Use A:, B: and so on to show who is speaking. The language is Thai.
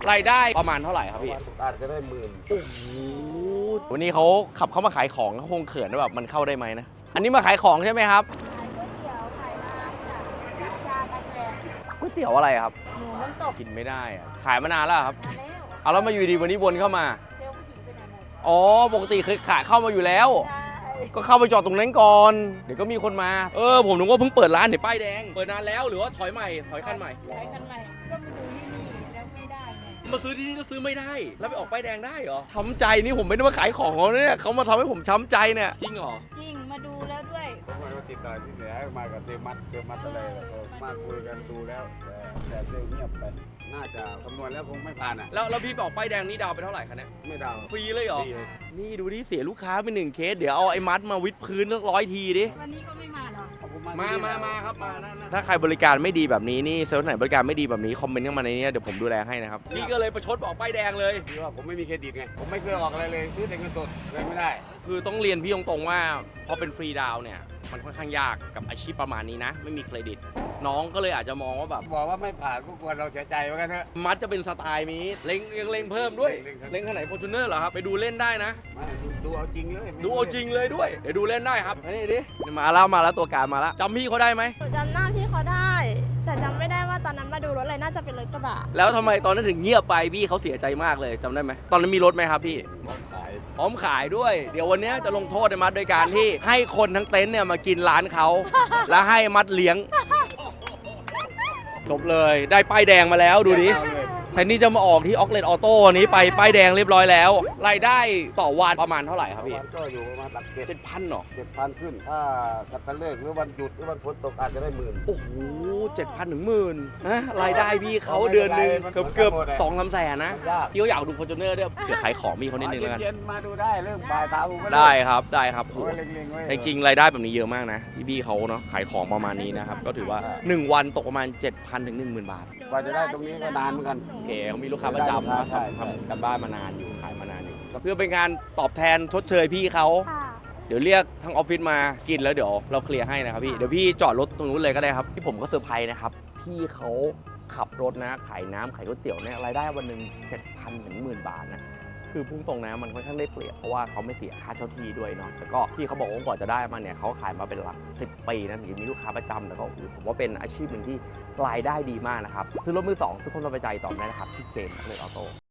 A: รายได้ประมาณเท่าไหร่ครับพี่
B: อาจจะได้10,000
A: โอ้โหวันนี้เขาขับเข้ามาขายของเขาคงเขินว่าแบบมันเข้าได้ไหมนะอันนี้มาขายของใช่ไหมครับก๋วยเตี๋ยวอะไรครับ
C: หมูน้ำตก
A: กินไม่ได้อะขายมานานแล้วครับ
C: มาแล้ว
A: เอาแล้วมาอยู่ดีวันนี้วนเข้ามา
C: เซลล์ผู้หญิงไปไหนหมด
A: อ๋อปกติเคยขายเข้ามาอยู่แล้ว
C: ใช่
A: ก็เข้าไปจอดตรงนั้นก่อนเดี๋ยวก็มีคนมาผมนึกว่าเพิ่งเปิดร้านเดี๋ยวป้ายแดงเปิดนานแล้วหรือว่าถอยใหม่ถอยคันใหม่
C: ใช้คันใหม่ก็มาดูที่นี่แล้วไม่ได้ไง
A: มาซื้อที่นี่แล้วซื้อไม่ได้แล้วไปออกป้ายแดงได้เหรอช้ำใจนี่ผมไม่ได้มาขายของเขาเนี่ยเขามาทำให้ผมช้ำใจเนี่ยจริงเหรอ
C: จริงมาดูแล้วด้วย
B: ผมมาติดต่อที่เหนือมากับเซลมัดอะไรมาคุยกันดูแล้วแต่เซลเงียบไปน่าจะคำนวณแล้วคงไม่ผ่านอ่ะ
A: แล้วพี่บอกป้ายแดงนี่ดาวไปเท่าไหร่คะเนี่ย
B: ไม่ดาว
A: ฟรีเลยเหรอนี่ดูดิเสียลูกค้าไป1 เคสเดี๋ยวเอาไอ้มัดมาวิดพื้น100 ทีดิ
C: วันนี้ก็ไม่มาหรอ
A: มาครับมาถ้าใครบริการไม่ดีแบบนี้นี่เซลล์ไหนบริการไม่ดีแบบนี้คอมเมนต์เข้ามาในนี้เดี๋ยวผมดูแลให้นะครับพี่ก็เลยประชดบอกป้ายแดงเลย
B: คือว่าผมไม่มีเครดิตไงผมไม่เคยออกอะไรเลยซื้อแต่เงินสดเลยไม่ได้
A: คือต้องเรียนพี่ตรงๆว่าพอเป็นฟรีดาวเนี่ยมันค่อนข้างยากกับอาชีพประมาณนี้นะไม่มีเครดิตน้องก็เลยอาจจะมองว่าแบบ
B: บอกว่าไม่ผ่านก็ควรเราเสียใจเหมือนกันเถอะ
A: มัดจะเป็นสไตล์นี้ยังเล็งเพิ่มด้วยเล็งขนาด Fortuner เหรอครับไปดูเล่นได้นะ
B: ดูเอาจริงเลย
A: ดูเอาจริงเลยด้วยเดี๋ยวดูเล่นได้ครับนี่ดิมาแล้วตัวการมาแล้วจำพี่เขาได้ไหม
C: จำหน้าพี่เขาได้แต่จำไม่ได้ว่าตอนนั้นมาดูรถอะไรน่าจะเป็นรถกระบะ
A: แล้วทำไมตอนนั้นถึงเงียบไปพี่เขาเสียใจมากเลยจำได้ไหมตอนนั้นมีรถไหมครับพี่พร้อมขายด้วยเดี๋ยววันนี้จะลงโทษในมัดโดยการที่ให้คนทั้งเต็นท์เนี่ยมากินร้านเขาแล้วให้มัดเลี้ยงจบเลยได้ป้ายแดงมาแล้วดูดิแทนที่จะมาออกที่ออกเลนออโต้นี้ไปป้ายแดงเรียบร้อยแล้วรายได้ต่อวันประมาณเท่าไหร่ครับพี่
B: ก็อยู่ประมาณหลัก
A: 7,000หรอ
B: 7,000ขึ้นถ้ากัตเลิกหรือวันหยุดหรือวันฝนตกอาจจะได้10,000
A: โอ้โห7,000 ถึง 10,000นะรายได้พี่เขาเดือนนึงเกือบ2-3 แสนนะพี่ก็อยากดู Fortuner ด้วยเดี๋ยวขายของมีเขานิดนึงแล้วกัน
B: เย็นมาดูได้เรื่องบ่ายตาผม
A: ได้ครับจริงๆรายได้แบบนี้เยอะมากนะพี่เขาเนาะขายของประมาณนี้นะครับก็ถือว่า1 วันตกประมาณ 7,000 ถึง 10,000 บาท
B: กว่าจะได้ตรงนี้ก็นานเหมือนกัน
A: โอเคเขามีลูกค้าประจำนะทำกันบ้านมานานอยู่ขายมานานอยู่เพื่อเป็นการตอบแทนชดเชยพี่เขาเดี๋ยวเรียกทางออฟฟิศมากินแล้วเดี๋ยวเราเคลียร์ให้นะครับพี่เดี๋ยวพี่จอดรถตรงนู้นเลยก็ได้ครับที่ผมก็เซอร์ไพรส์นะครับพี่เขาขับรถนะขายน้ำขายก๋วยเตี๋ยวเนี่ยรายได้วันหนึ่ง 7,000 ถึง 10,000 บาทนะคือพุ่งตรงนะมันค่อนข้างได้เปรียบเพราะว่าเขาไม่เสียค่าเช่าที่ด้วยเนาะแล้วก็พี่เขาบอกว่ากว่าจะได้มาเนี่ยเขาขายมาเป็นหลัก10 ปีนะถึงมีลูกค้าประจำแต่ก็ผมว่าเป็นอาชีพหนึ่งที่รายได้ดีมากนะครับซื้อรถมือ 2ซื้อคนสบายใจต่อได้นะครับที่เจมส์เลยออโต้